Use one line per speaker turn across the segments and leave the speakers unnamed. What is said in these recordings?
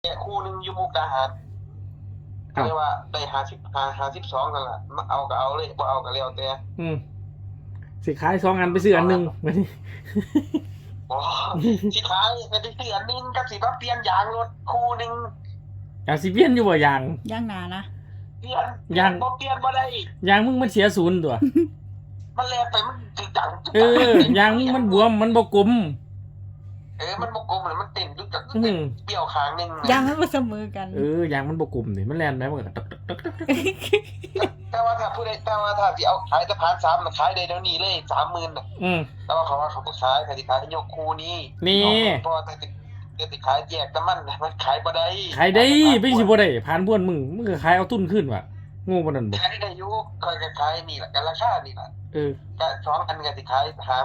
แกะคู่หนึ่งอยู่มุกดาหาร
อ้าว
เรียกว่าได้52นั่นแหละมาเอาก็เอาเลยบ่เอาก็แล้วแต่
อืมสิขาย2 อันไปซื้ออันหนึ่งมาดิ
อ๋อสิขายก็ได้ซื้ออันหนึงกับสิมาเปลี่ยนยางรถคู่หนึง
อยากสิเปลี่ยนอยู่บ่ยาง
ย่างหนานะ
เปลี่ยนบ่เปลี่ยนบ่ได้
ยางมึงมันเสียศูนย์ตัว
มันแลไปมันจึกจัง
ยางมึงมันบวมมันบ่กลม
มันบ่กลมเลยมันเต้นจึกจัง
อืม
เบี้ยวข้างหนึง
ย่างให้มันเสมอกัน
ยางมันบ่กลมนี่มันแล่นได้มันก็ตัก
แต่ว่าถ้าผู้ใดแต่ว่าถ้าสิเอาขายสะพาน3น่ะขายได้เดี๋ยวนี้เลย30,000น่ะ
อืม
แต่ว่าเขาบ่ขายเขาสิขายยกคู่นี้
นี่
เพราะว่าถ้าสิขายแยกแต่มันขายบ่ได้
ขายได้ไปสิบ่ได้ผ่านบ้วนมึงก็ขายเอาทุนขึ้นว่ะโง่ปานนั้นบ่
ขายได้อยู่คอยก็ขายนี่แหละกันราคานี่แหละ ก็2 อันก็สิขาย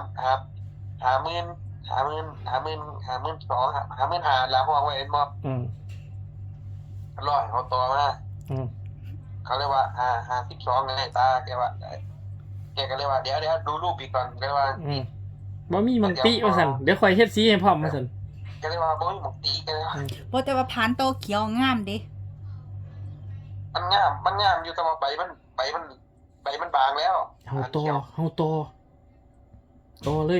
50,000แล้วพอไว้เอ็นบ่
อืม
ร้อยเขาต่อมา
อืม
เขาเรียกว่า52ไงตาแกว่าแกก็เลยว่าเดี๋ยวดูรูปอีกก่อนก็เลยว่า
บ่มีมังติว่าซั่นเดี๋ยวข่อยเฮ็ดสีให้พร้อมว่าซั่น
ก็เลยว่าบ่มีหมกตีก็เลยว่า
เพราะแต่ว่าพานโตเขียวงามเด้
มันงามอยู่แต่ว่าใบมันบางแล้ว
เฮาต่อเลย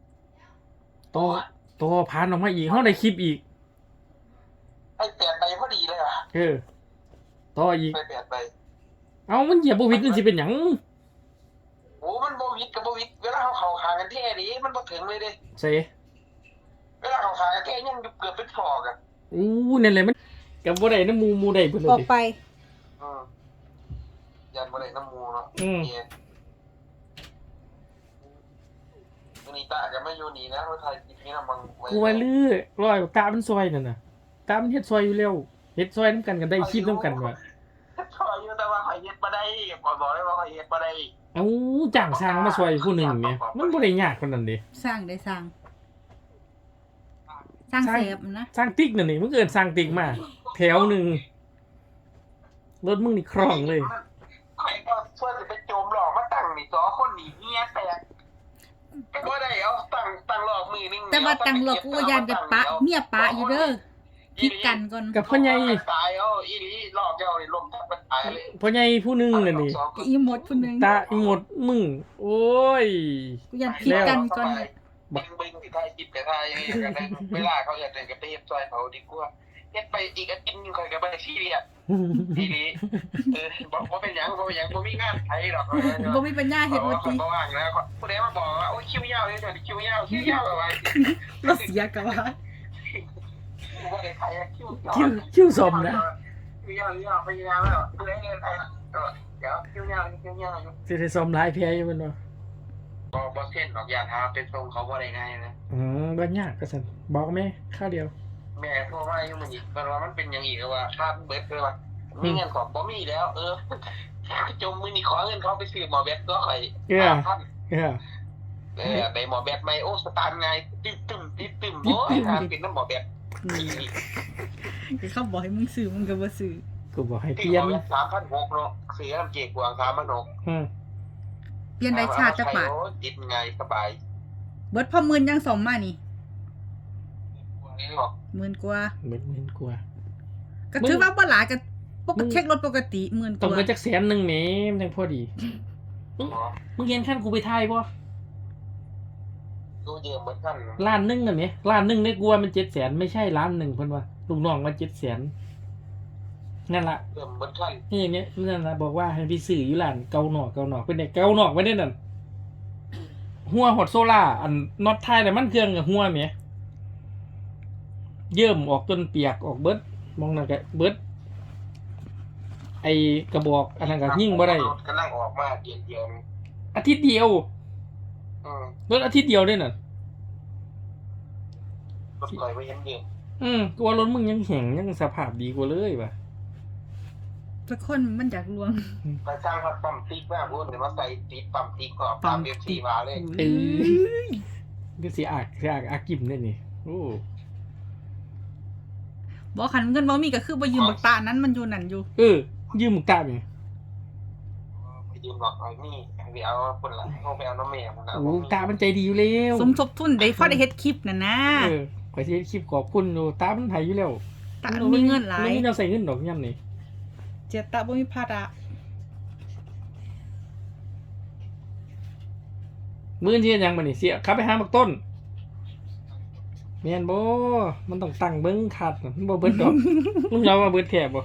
ต่อผ่านออกมาอีกเฮาได้คลิปอีก
ไอ้8ใบพอดีเลยว่ะ
ต่ออีก
ไป8ใบ
เอ้ามันเหยียบบ่วิดมันสิเป็นหยัง
โอ้มันบ่วิดกับบ่วิดเวลาเขาเข้าข้างกันแท้ดิมันบ่ถึงเลยเด้
ใส่
เวลาเขาข้างกันแท้ยังอยู่เกือบเป็นศอกอ่ะ
นั่นแหละมันก็บ่ได้นำหมู่ได้เพิ่นเล
อย อก
ดิ
ไป
ยันบ่ได้น้ำมูเนาะ เนี่ยวันนี้ตาก็ไม่อยู่นี่นะว่าไทยกินนี่นะบังไว้
กูว่าลือร้อยตามันซอยนั่นน่ะตามันเฮ็ดซอยอยู่แล้วเฮ็ดซอยนำกันได้คลิปนำกันว่ะ
ขออยู่แต่ว่าข่อยเฮ็ดบ่ได้บอกเลยว่าข่อยเฮ็ดบ่ได้
เอ้าจ้างสร้างมาซอยผู้หนึงแหมมันบ่ได้ยากปานนั้นเด้
สร้างได้สร้าง สร้างเซฟนะ
สร้างติ๊กนั่นนี่มึงเอิ้นสร้างติ๊กมาแถวหนึงรถมึงนี่คล่องเลย
ข่อยก็ช่วยสิไปโจมหลอกมาตั้งนี่สอคนนี่เฮียแตกก็บ่ได้เอาตั้งหลอกมือนึง
แต่ว่าตังหลอกกูยานจะปะเมียปะอยู่เด้อคิดกันก่อน
กับพ่อใหญ่
ตายเอาอีหลีหลอกเจ้านี่ลมทับมันตายเลย
พ่อใหญ่ผู้หนึงนั่นนี่
อีหมดผู้หนึง
ตาอีหมดมึงโอ้ย
กูยานคิดกันก่อนเลย
บึงที่ไทยจิบแต่ไทยกันนะเวลาเขาอยากเดินกับไปเฮ็ดซอยเขาดีกว่าเฮ็ดไปอีกอาทิตย์นึงข่อยก็บ่ได้ซีเรียสอีหลีบอกว่าเป็นหยังบ่มีงานไทยหรอก
บ่มีปัญญาเฮ็ดบ่ติ
บ่ว่างแล้วผู้ใดมาบอกว่าโอ้ยคิวยาวเลยคิวยาวเอาไว้
บ่เสียก็ว่า
บ่ได้ไทยคิว
คิวสมนะ
คิวยาวไปยาวแล้วผู้ใดเงินไทยเดี๋ยวคิวยาว
สิได้สมหลายแพ้อยู่แม่นบ่
บ่เส้นดอกยาทาเป็นทรงเขาบ่ได้ง่ายนะ
บ่ยากก็ซั่นบอกแม่ข้าวเดียว
แม่โทรมาอยู่มันอีกว่ามันเป็นอย่างอีกว่าค่าเบิดเลยว่ามีเงินของบ่มีแล้วจมมือนี่ขอเงินเขาไปซื้อหมอแบตก็ข่อย
เออ
ได้หมอแบตใหม่โอ้สตาร์ทไงตึมโอ้ยเป็นน้ำหมอแบต
เขาบอกให้มึงซื้อมึงก็บ่ซื้อ
กูบอกให้
ที่
เปลี่ยน
หมอแบต3,600เนาะซื้อน้ำเกลือกวาง3,600
อืม
เปลี่ยนได้ชาติจักบาท
ติดไงสบาย
เบิดพอหมื่นยังสมมานี่
นี่หรอ
หมื่นกว่า
เหมือนกลัว
ก็ถือว่าบ่หลายก็ปกติเช็ครถปกติหมื่นก
ต้อง
ว่า
เงินจักแสนหนึงแหมมันจังพอดีมึงเห็นคันกูไปถ่ายบ่
ดูเยอะเหมือนกัน
ล้านหนึงนั่นแหมล้านหนึงได้กลัวมัน700,000ไม่ใช่ล้านหนึงเพิ่นว่าลูกน้องว่า700,000นั่นล่ะ
เริ่มเหมือนกัน
นี่อย่างเงี้ยนั่นล่ะบอกว่าให้ไปซื้ออยู่ร้านเกาหนอกเป็นได้เกาหนอกไว้ได้นั่นหัวฮอดโซล่าอันน็อตท้ายน่ะมันเครื่องกับหัวแหมเยิ่มออกจนเปียกออกเบิดมองนั่นก็เบิดไอกระบอกอันนั้นก็ยิ่งบ่ได้
กำลังออกมาเดียว
อาทิตย์เดียวรถอาทิตย์เดียวได้น่ะ
รถคอยไว้เห็นเดียว
กูว่ารถมึงยังแข็งยังสภาพดีกว่าเลยว่ะ
สักคนมันอยากลวง
ไปสร้างปั๊มติ๊กมาพูดเดี๋ยวมาใส่ติ๊กปั๊มติ๊กก็ปั๊มเอฟซีมาเลย
ก็สิอากกิมได้นี่โอ้
บอกคันเงินบ่มีก็คือบ่ยืมบักตานั้นมันอยู่นั่นอยู่
ยืมมึงตาบไง
ไปยืมหลอกไอ้นี่ไปเอาคนละเอาไปเอาน้ำแม่มัน
โอ้ตามันใจดีอยู่แล้ว
สมทบทุนได้พอได้เฮ็ดคลิปนั่นนะ
ข่อยสิเฮ็ดคลิปขอบคุณอยู่ตามันไผอยู่แล้ว
ตามีเงินหลาย
มันจะใส่เงินดอกย่ำนี่
เสียตาบ่มีภาระ
มื้อที่ยังบ่นี่เสียขับไปหาบักต้นแม่นบ่มันต้องตั้งเบิ่งคัดมันบ่เบิดดอก ลุงเราว่าเบิดแท้บ่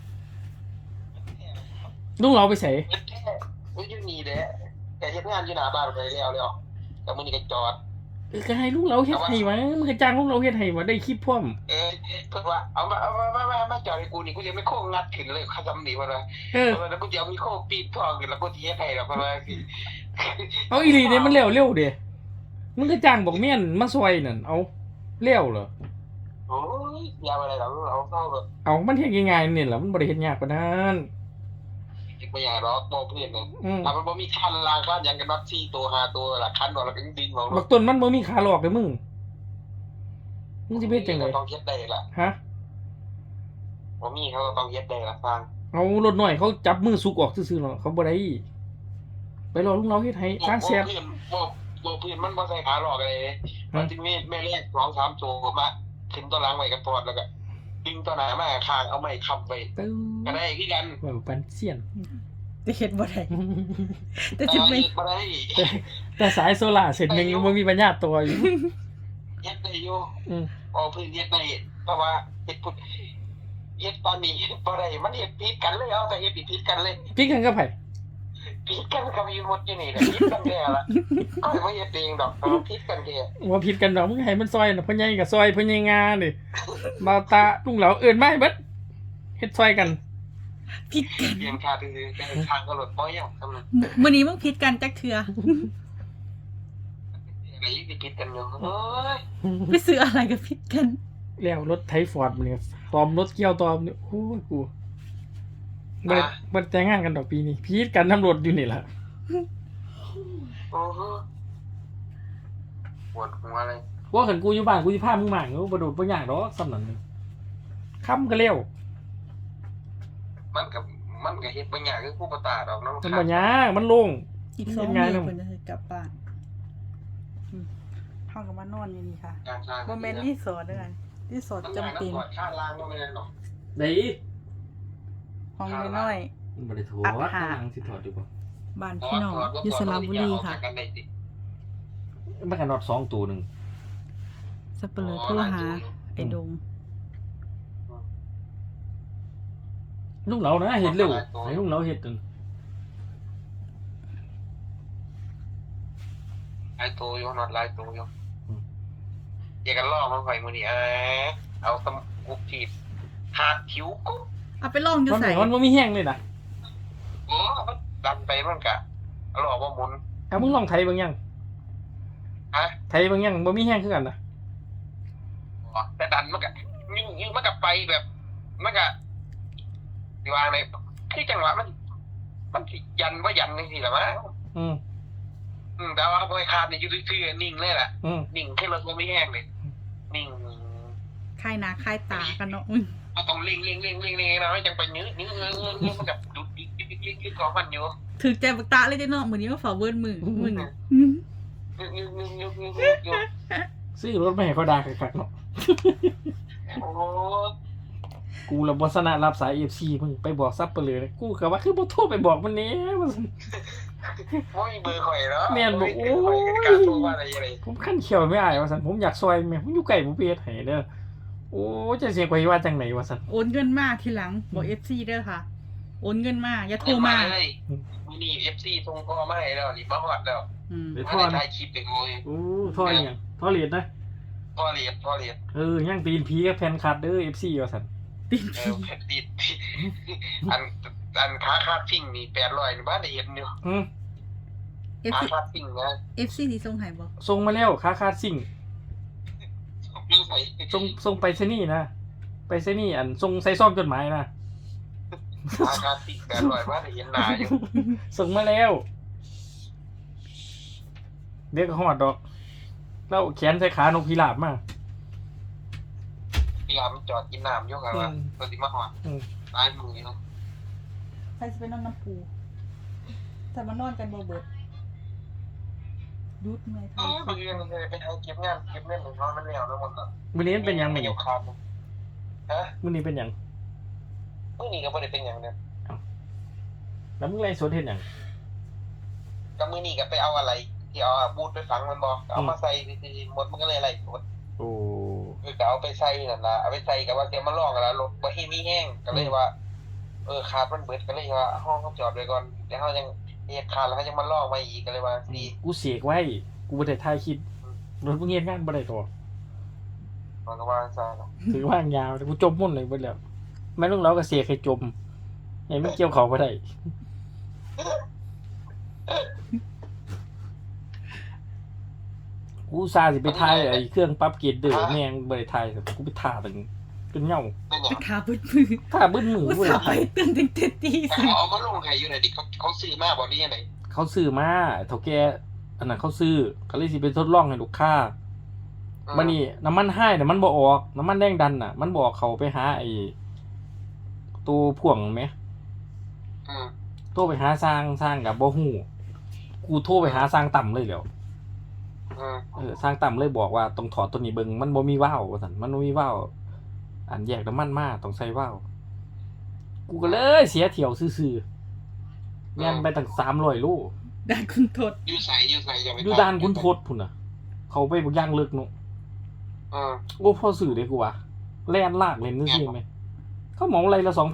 ลุงเราไปไส
เฮ็ดแท้บ่อยู่นี่แหละแต่เฮ็ดงานอยู่หน้าบ้านไปแล้วแต่มื้อนี้ก็จอด
ก็ให้ลุงเราเฮ็ดให้วะมึงก็จ้างลุงเราเฮ็ดให้วะได้คลิปพร้อม
เพิ่นว่าเอามาจอดให้กูนี่กูจะไม่โค้งงัดขึ้นเลยคำนี้ว่า
เออ
แล้วกูจะเอามีโค้งปีนทองขึ้นแล้วกูสิเฮ็ดให้แล้วเพราะว่าสิ
เอาอีหลีเด้มันเร็วเด้มึงก็จ้างบอกเมียนมาซอยนั่นเอาเร็วเหรอ
โอ้ยยาวอะไรหรอกเราเข้าแบบ
เอามันเฮ็ดง่ายๆนี่แหละมันบ่ได้เฮ็ดยากปานนั้น
ไม่อยากหรอกบอกเพื่อนนะ
อืม
ถ้ามันบ่มีคันล้างบ้านยังกันนับ4 ตัว 5 ตัวละคันบ่แล้วก็ดินบ่
บักต้นมันบ่มีขาหลอกเด้อมึงสิไปเฮ็ดจังได๋
ต้องเฮ็ดได้ล่ะ
ฮะ
บ่มีเขาก็ต้องเฮ็ดได้ล่ะฟัง
เอารถน้อยเขาจับมือสุกออกซื่อๆเนาะเขาบ่ได้ไปรอลุงเราเฮ็ดให้ทางแซ่บ
เพื่อนเพื่อนมันบ่ใส่ขาหลอกอะไรเลยมันสิมีแม่แรก2-3 ตัวมาขึ้นตัวหลังไว้กันปอดแล้วก็ดึงตัวหน้ามาข้างเอาไม้ค้ำไว้
ตึ้ง
ก็ได้คือกัน
ว่าปันเสียน
จะเฮ็ดบ่ได้แต่สิไป
บ่ได้
แต่สายโซล่าร์เสร็จหนึงบ่มีปัญญาตัวอยู่
เฮ็ดได้อยู่
อืม
เพื้นเฮ็ดได้เพราะว่าเฮ็ดพุดเฮ็ดตอนนี้บ่ได้มันเฮ็ดผิดกันเลยเอาแต่เฮ็ดผิดกันเลย
พี่กันกับไผ
ผิดกันกับอยู่หมดอยู่นี่แหละผิดกันแท้ละก็ไม่เฮ็ดเองดอกแต่ว่าผิดกันแท้
ว่าผิดกันดอกมึงให้มันซอยน่ะพ่อใหญ่ก็ซอยพ่อใหญ่งานี่บ่าวตาลุงเหลาเอิ้นมาให้เบิดเฮ็ดซอยกัน
ผิดกัน
เรียนค่าซื่อๆแต่ทางก็รถบ่ยังสำนั้น
มื้อนี้มึงผิดกันจักเทื่อ
อะไรอีกที่ผิดกันอยู่เอ้ย
ไปซื้ออะไรก็ผิดกัน
แล้วรถไถฟอร์ดมันเนี่ยตอมรถเกี่ยวตอมเนี่ยโอ้ยกูบ่แต่งงานกันดอกปีนี้พีดกันน้ำรถอยู่นี่ล่ะ
โอ้โหปวดหัวเลย
ว่าคันกูอยู่บ้านกูสิพามึงมาเงาบ่โดดบ่ยากดอกสำนั้นนึงค้ำก็เร็ว
มันก็เฮ็ดบ่ยากคือผู้ประตาดอกเนาะ
มันบ่ยากมันโล่ง
อีก
เฮ็
2
ด
มื้
งาน
อ
นำ
เพิ่นจะกลับบ้านเฮาก็มานอนอยู่นี่ค่ะ
การสร้าง
บ่แม่นรีสอร์ทเด้อรีสอร์ทจำเป็น
ค่าล้างก็ไม่ได้หรอก
ได้
ห้องน้อย
มันบ่ได้ถอด
อัดหา
ตั้งสิถอดดีกว่า
ๆบ้านพี่น้องอยู่สระบุรีค่ะ
มันก็นอด2ตัวนึง
สับเปลือโทรหาไอ้ดง
ลุงเหลานะเฮ็ดเร็วให้ลุงเหลาเฮ็ดนั่น
ลายตัวอยู่นอดลายตัวอยู่อย่ากันล่อมันไฟมื้อนี้เอาสมุกทีบหาดคิ้วกุ๊บ
เอาไปลองอยู่
มัน
ใส่
มันบ่มีแห้งเลยนะ
โอ้มันดันไปมันกะล่อบ่หมุน
เอามึงลองไถเบิ่งยัง
ฮะ
ไถเบิ่งยังบ่มีแห้งคือกันนะ
แต่ดันมันกะยิ่งมันกะไปแบบมันกะสิว่าไงคือจังหวะมันสิยันว่ายันจังซี่ล่ะมั้ง
อืม
แต่ว่าบ่ให้ขาดนี่อยู่ซื่อๆนิ่งเลยล่ะ
อืม
นิ่งขึ้นรถบ่มีแห้งเลยนิ่ง
คลายหน้าคลายตากันเนาะ
ก็ต้องเร่งนะจังไปยื้อมันกับดุดยึดของมันอยู่
ถือใจบักตาเลยเด้อเนาะมื้อนี้มาฝากเวิร์นมือมึง
ยึด
ซื้อรถมาให้เขาด่าคักๆเนาะ
โอ้
กูละบ่สนะรับสาย FC มึงไปบอกซับเปลือกูก็ว่าคือบ่โทรไปบอกมันแหน่ว่าซั่น
โหเบอร์ข่อยแล้วการโทรว่าอะไร
ผมคันเขียวไม่อายว่าซั่นผมอยากซอยแม่ผมอยู่ไกลผมไปเฮ็ดให้เด้อโอ้จะเสียข่อยว่าจังไหนว่าซั่น
โอนเงินมาทีหลังบอก FC เด้อค่ะ โอนเงินมาอย่าโทรมา
เลยนี่ FC ส่งพ่อมาให้แล้วนี่มาฮอดแล้ว
อืม
เดี๋ยว
มา
พ่อ
ได้
นะ
ถ่ายคลิปไปโอ้ย
โอ้ท่ออีหยังท่อเหรียญนะ
พ่อเรียน
ยังตีนผีกับแฟนคลับเด้อ FC ว่าซั่น
ติด
ติดอันขาคาดฟิ่งนี่800นี่บ้านได้เห็นอยู่ ขา
FC
คาดฟิ่งนะ
FC ที่ส่งให้บ่
ส่งมาแล้วค่าคาดซิ่ง
อยู่ไป
ส่งไปซะนี่นะไปซะนี่อันส่งใส่ซองจดหมายนะ
ขาคาดฟิ่ง800บ้านได้เห็นหน้าอยู่
ส่งมาแล้ว เดี๋ยวก็ฮอดดอกแล้วแขนใส่ขานกพิราบมา
เวลามันจอดกินน้ำอยู่ครับว่าตัวสิมาฮอดตายมือเนาะ
ใครสิไปนอนน้ำปูแต่มานอนกันบ่เบิดดูดเมื่อย
เออเพื่อนไปเอาเก็บงานเก็บเงินของมันแล้วแล้วหมดแล้ว
มื้อนี้มันเป็นหยังมื้อ
เกี่
นี้
ยวขาดฮะ
มื้อนี้เป็นหยัง
มื้อนี้ก็บ่ได้เป็นหยังเนี่ย
แล้วมึงไล่สดเฮ็ดหยัง
ก็มื้อนี้ก็ไปเอาอะไรที่เอาบูทไปฝังมันบ่เอามาใส่ที่หมดมันก็เลยอะไรหมด
โอ้
ก็เอาไปใส่นั่นล่ะเอาไปใส่ก็ว่าจะมาลองกันแล้วรถบ่มีแห้งก็เลยว่าขาดมันเบิดก็เลยว่าห้องเขาจอดไว้ก่อนเดี๋ยวเฮายังเฮ็ดขาดแล้วเฮายังมาลองมาอีกก็เลยว่าสิ
กูเสกไว้กูบ่ได้ถ่ายคลิปรถมึงเฮ็ดงานบ่ได้ตัว
มันก็ว่าซะเนาะ
ถือว่างยาวแต่กูจมมุ่นเลยเบิดแล้วแม่นลุงเราก็เสกให้จมให้มันเกี่ยวเขาบ่ได้กูอุตส่าห์สิไปถ่ายไอ้เครื่องปรับเกรดเด้อแม่งบ่ได้ถ่ายกูไปถ่าเป็นจนเหงา
เป็นหยัง
ขาบึดมือ
ถ่าบึ้นมือ
อุต
บ่
ส่า
ได้
ห์ไป
ถ่าย
ตื่นตั้งแต่ตีสี่
เอามาลงให้อยู่ไหนดิเขาซื้อมาบ่นี่ยังไง
เขาซื้อมาเฒ่าแก่อันนั้นเขาซื้อก็เลยสิไปทดลองให้ลูกค้าบัดนี้น้ำมันไห้น่ะมันบ่ออกน้ำมันแรงดันน่ะ มันบ่ออกเขาไปหาไอ้ตัวพ่วงแหม โทรไปหาสร้างกับบ่ฮู้กูโทรไปหาสร้างต่ำเลยแหล้วสร้างต่ำเลยบอกว่าต้องถอดตัวนี้เบิ่งมันบ่มีว่าวว่าซั่นมันบ่มีว่าวอันแยกน้ำมันมาต้องใส่ว่าวกูก็เลยเสียเที่ยวซื่อๆแม่นไปตั้ง300โล
ได้คุณโทษ
อยู่ใส่อย่าไป
อยู่ด่านคุณทศพุ่นน่ะ เขาไปบ่ย่างลึกเนาะโอ้พอซื้อเด้กูว่าแล่นลากเล่นซื่อๆแม่เขาเหมาไรละ 2,500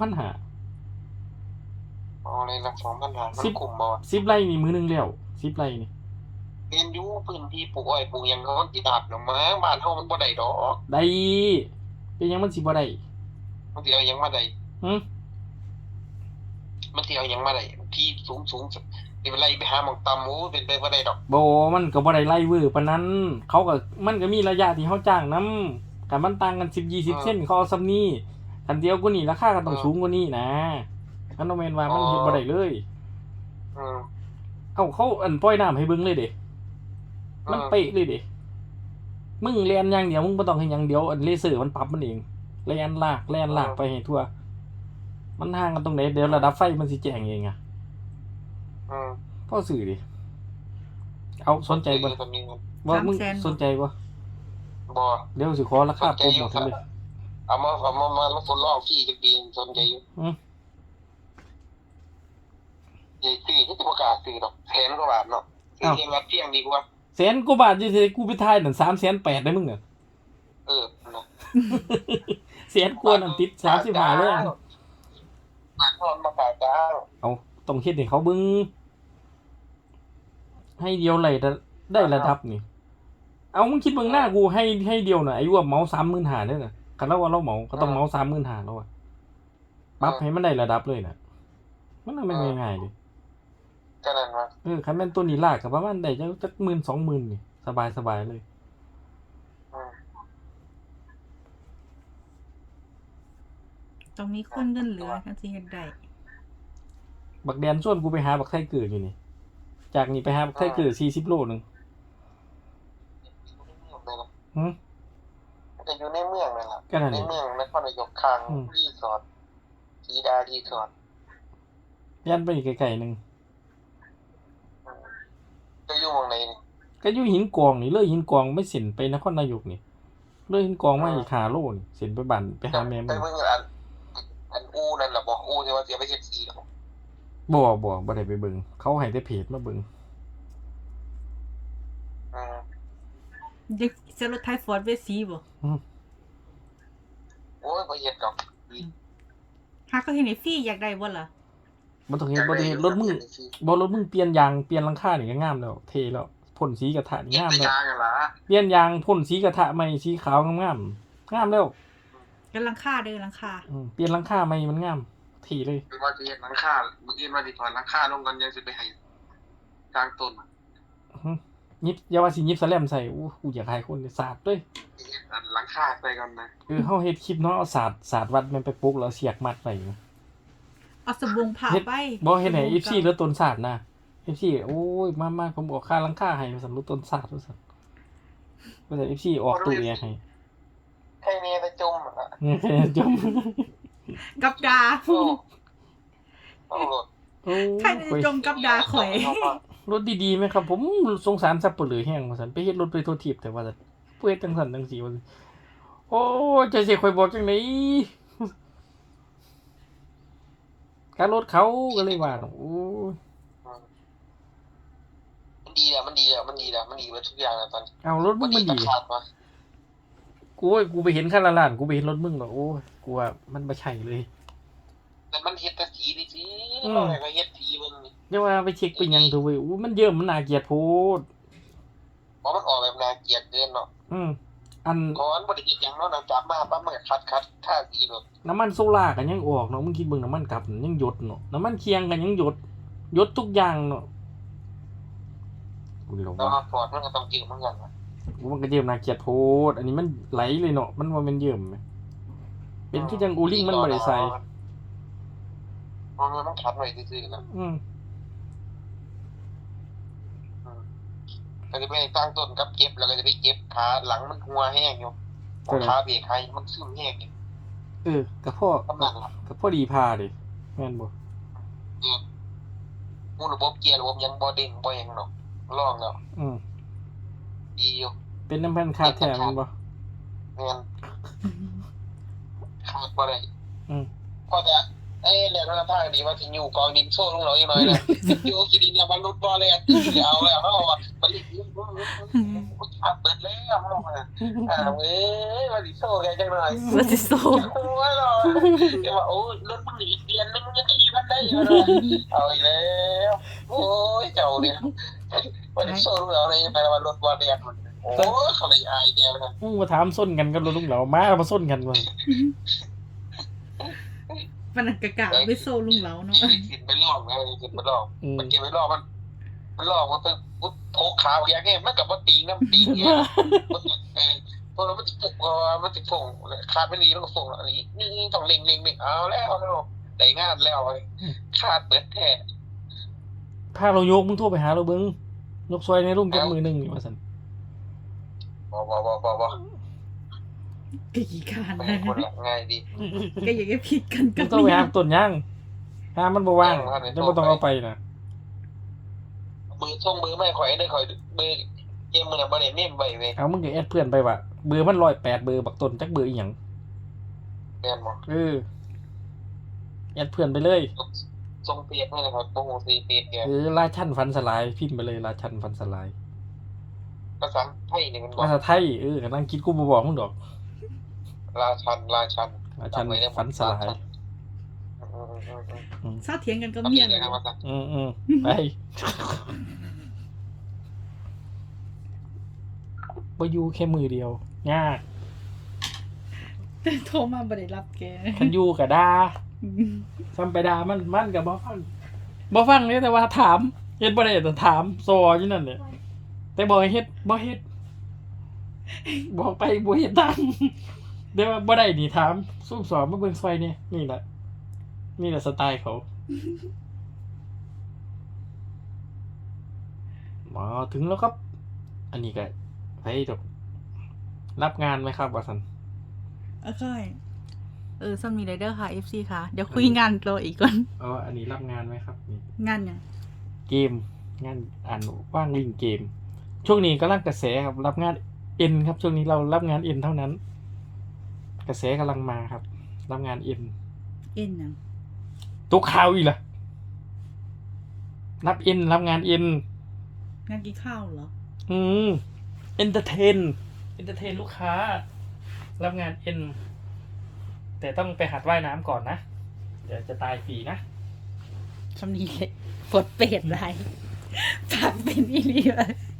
เอาเลยละ2,000 บาทมันคุ้มบ่
10ไร่นี่มื้อนึงแล้ว10ไร่นี่
เรียนอยู่พื้นที่ปลูกอ้อยปลูกหยังเขาสิดาบเนาะมั้งบ้านเฮามันบ่ได้ดอก
ได้เป็นหยังมันสิบ่ได้
มันสิเอาหยังมาได้
หึ
มันสิเอาหยังมาได้ที่สูงนี่เป็นไรไปหาหม่องต่ำโอ้เป็นไปบ่ได้ดอก
บ่มันก็บ่ได้ไล่เวอร์ปานนั้นเขาก็มันก็มีระยะที่เขาจ้างนำกันมันต่างกัน10-20 เซนเขาเอาซำนี้คันเดียวกว่านี้ราคาก็ต้องสูงกว่านี้นะมันบ่แม่นว่ามันเฮ็ดบ่ได้เลยเอ้าเขาอันปล่อยน้ำให้เบิ่งเลยเด้มันเป๊ะเลยเด้มึงเรียนอย่างเดียวมึงบ่ต้องเฮ็ดหยังเดียวอันเลเซอร์มันปรับมันเองแล่นลากไปให้ทั่วมันห่างกันตรงไหนเดี๋ยวระดับไฟมันสิแจ้งเองอ่ะพอซื้อดิเอาสนใจบ่ว่ามึงสนใจบ่
บ่
เดี๋ยวสิขอราคาโปรโมทเลย
เอามาทดลองฟรีจักปีสนใจอยู่ใหญ่ซื้อที่บ่กล้าซื้อดอกแพงกว่าบาทเนาะซื้อเพียงละเพียงดีกว่า
แสนกว่าบาทอยู่ที่กูไปถ่ายนั่น380,000ได้มึงน่ะ
เนาะ
แสนกว่านั่นติด35เลย
บาทพร้อมมาขายจ้า
เอาต้องเฮ็ดให้เขาเบิ่งให้เดียวเลยได้ระดับนี่เอามึงคิดเบิ่งหน้ากูให้เดียวน่ะไอ้ว่าเมาส์ 35,000เด้อน่ะคันเราว่าเราเมาก็ต้องเมาส์ 35,000แล้วอ่ะปรับให้มันได้ระดับเลยน่ะมันไม่ง่ายๆดิ
ก็นั่นว่า
คันแม่นตัวนี้ลากก็ประมาณได้จัก 10,000-20,000 นี่สบายๆเลย
ต้องมีคนเงินเหลือจังสิเฮ็ดได้
บักแดนชวนกูไปหาบักไทเกิดอยู่นี่จากนี่ไปหาบักไทเกิด40 โลนึง
จะอยู่ในเมืองนั่นล่ะ
ก็นั่น
ใน
แหละ
เมืองนครนายกข้างรีสอร์ทสีดารีสอร์ท
ยันไปอีกไกลๆนึง
จะอยู่หม่องไหนนี่
ก็อยู่หินกองนี่เลยหินกองไม่เส้นไปนครนายกนี่เลยหินกองมาอีก5 โลนี่เส้นไปบ้านไปหาแม่มึ
แต่
ง
เบิ่งอันอูนั่นล่ะบ่อูที่ว่าเสียไปเฮ็ดสีแล้ว
บ่ได้ไปเบิ่งเขาให้แต่เพจมาเบิ่ง
เด็กเซลล์ไทยฟอร์ดเวสีบ่
โอ้ยบ่เฮ็ดดอก
หาก็เห็นไอ้ฟรีอยากได้บ่ล่ะ
บ่ต้องเฮ็ดรถมึงเปลี่ยนยางเปลี่ยนหลังคานี่ก็งามแล้วเท่แล้วพ่นสีกระทะนี่
เฮ็ด
งาม
แต่
แล้ว
ยางนั่นล่ะ
เปลี่ยนยางพ่นสีกระทะใหม่สีขาวงามแล้ว
กำลังค่าเด้อหลังคา
เปลี่ยนหลังคาใหม่มันงามเท่เลย
คือว่าสิเฮ็ดหลังคามื้ออื่นว่าสิถอนหลังคาลงกันยังสิไปให้กลางต้น
ยิบอย่าว่าสิยิบสแลมใส่กูอยากให้คนสาดเลย
หลังคาใส่กันนะ
เฮาเฮ็ดคลิปเนาะเอาสาดวัดมันไปปลุกแล้วเสียกมัดไว้
เอาสบงผ่าไป
บ่เฮ็ดให้ FC ลดต้นสาดนะ FC โอ้ยมาผมออกค่าหลังคาให้ว่าซั่นลดต้นสาดว่าซั่นว่าแต่ FC ออกตู้แอร์ให้
ใครเนี่ยจะจมอ่ะ
แค่จม
กับดา
โอ้โห
โอ้
ใครจะจมกับดาข่อย
รถดีๆไหมครับ ผมสงสารสับปะเหลือแห้งว่าซั่นไปเฮ็ดรถไปโทษทีบแต่ว่าซั่นเฮ็ดจังซั่นจังซี่ว่าซั่นโโอ้ยจะสิข่อยบอกจังได๋ค่ารถเขาก็เลยว่าโอ้ย
มันดีแล้วมันดีกว่าทุกอย่างแล้วตอน
เอารถมึงมันดี
ขาดวะ
กูไปเห็นคันละล้านกูไปเห็นรถมึงแล้วโอ้ยกูว่ามันบ่ใช่เลย
แต่มันเฮ็ดแต่สีนี่สิ
อืม
เราไหนก็เฮ็ดสีมึงนี่
อย่าว่าไปเช็คไปหยังเถอะเว้ยอู้มันเยิ่มมันน่าเกลียดโพด
เพราะมันออกแบบน่าเกลียดเกินเนาะ
อัน
ก่อนบ่ได้เฮ็ดหยังเนาะนำจับมาปั๊บมันก็คัดท่าสีเนาะ
น้ำมันโซล่ากันยังออกเนาะมึงคิดเบิ่งน้ำมันกลับยังหยดเนาะน้ำมันเคียงกันยังหยดทุกอย่างเนาะกูเลย
แล้ว
ว่า
ฟอร์ดมันก็ต้องยืมเหมือนกันนะ
มันก็เยิ่มน่าเกลียดโพดอันนี้มันไหลเลยเนาะมันว่ามันเยิ่มไหมเป็นคือจังอูลิ่งมันบ่ได้ใส่
มันคัดไว้ซื่อๆนะ ก็จะไปตั้งต้นกับเก็บแล้วก็จะไปเก็บขาหลังมันหัวแห้งอยู่ขาเบรกให้มันซึมแห้งอยู่
กับพ่อก
ำลังล่ะ
กับพ่อดีพาดิแม่นบ่
มูระบบเกียร์ระบบยังบ่เด้งบ่หยังเนาะลองแล้ว
อืม
ดีอยู่
เป็นน้ำพันคาแท้มันบ่
แม่นขาดบ่ได้
อืม
ก็จะแล้วนั่นทางดีว่าสิอยู่กองดินโซ่ลงเราอีกหน่อยนะอยู่กินดินแล้วมันรุดบ่เลยเอาแล้วเฮาว่ามันรีบขาดเบิดแล้วเฮาว่าเอ้ยว่าสิโซ่แกจังหน่อย
ว่าสิโซ
โอ้ยเราเดี๋ยวว่าโอ้ยรถมึงอีกเดือนนึงยังขี่มันได้อยู่เลยเอาอีกแล้วโอ้ยเจ้าเนี่ยวันนี้โซ่เราในไปวันรถวันเรียนมันโอ้ยเขาเลยอายแกนะ
มึงมาถามส้นกันกับรถลุงเหลามามาส้นกันว่า
มันกะกะเอาไปโซลุงเหลาเนาะ
ขึ้นไปลอกนะขึ้นไปลอกมันเก็บไปลอกมันลอกมันเป็นโถขาวอย่างเงี้ยมันกับว่าตีน้ำตีเงี้ยพอเรามันติดปุกมันติดฟงขาดไม่ดีมันก็ฟงอะไรนี่ต้องเล็งเอาแล้วได้งานแล้วขาดเปิดแท้
พาเรายกมึงโทรไปหาเราเบิ่งยกซอยในรุ่มจับมือหนึงนี่ว่าซั่น
บ่
กะกี่การ
ไม่
นะ
ให้คนละง่ายดี
ก็อยากจะผิดกัน
มึ
กับ
งโทรไปหาต้นย่างหามันบ่ว่าง
ว่าง
จะบ่ต้องเอาไปนะ
มือส่งมือไม่ข่อยได้ข่อยมือเกมมือน่ะบ่ได้เมมไว้เว้ย
เอามึงก็แอดเพื่อนไปว่าเบอร์มัน108เบอร์บักต้นจักเบอร์อีหยัง
แม่นบ่
แอดเพื่อนไปเลย
ส่งเปียกนี่นะครับบ่ฮู้สิเปียกแก
ราชันฟันสลายพิมพ์ไปเลยราชันฟันสลาย
ภาษาไทยนี่มันบ่
ภาษาไทยกำลังคิดกูบ่บอกมึงดอก
ราชัน
ราชันฟันสลาย
เศร้าเถียงกันก็
ก็
เมี
มี
ย
เลย
เลย
ครับว่าซั่น
ไปบ่อยู่แค่มือเดียวยาก
แต่โทรมาบ่ได้รับแก
คันอยู่ก็ด่าซ้ำไปด่ามันก็บ่ฟังเลยแต่ว่าถามเฮ็ดบ่ได้แต่ถามซออยู่นั่นเนี่ยแต่บอกให้เฮ็ดบ่เฮ็ดบอกไปบ่เฮ็ดตามเดี๋ยวว่าบ่ได้นี่ถามซุ่มสอบมาเบิ่งซอยนี่นี่แหละสไตล์เขามาถึงแล้วครับ อันนี้ก็ไปจบรับงานไหมครับว่าซั่น
ซัมมีไรเดอร์ค่ะ FC ค่ะ เดี๋ยวคุยงานรออีกก่อน
อันนี้รับงานไหมครับนี่
งานยัง
เกมงานว่างลิงเกม ช่วงนี้กำลังกระแสครับรับงานเอ็นครับช่วงนี้เรารับงานเอ็นเท่านั้น กระแสกำลังมาครับ รับงานเอ็น
เอ็นยัง
ตัวข่าวอีกล่ะรับเอ็นรับงานเอ็น
งานกินข้าวเหรอ
เอนเตอร์เทนลูกค้า รับงานเอ็นแต่ต้องไปหัดว่ายน้ำก่อนนะเดี๋ยวจะตายฟรีนะ
คำนี้เลยปวดเป็ดไรปากเป็นอีหลีเลย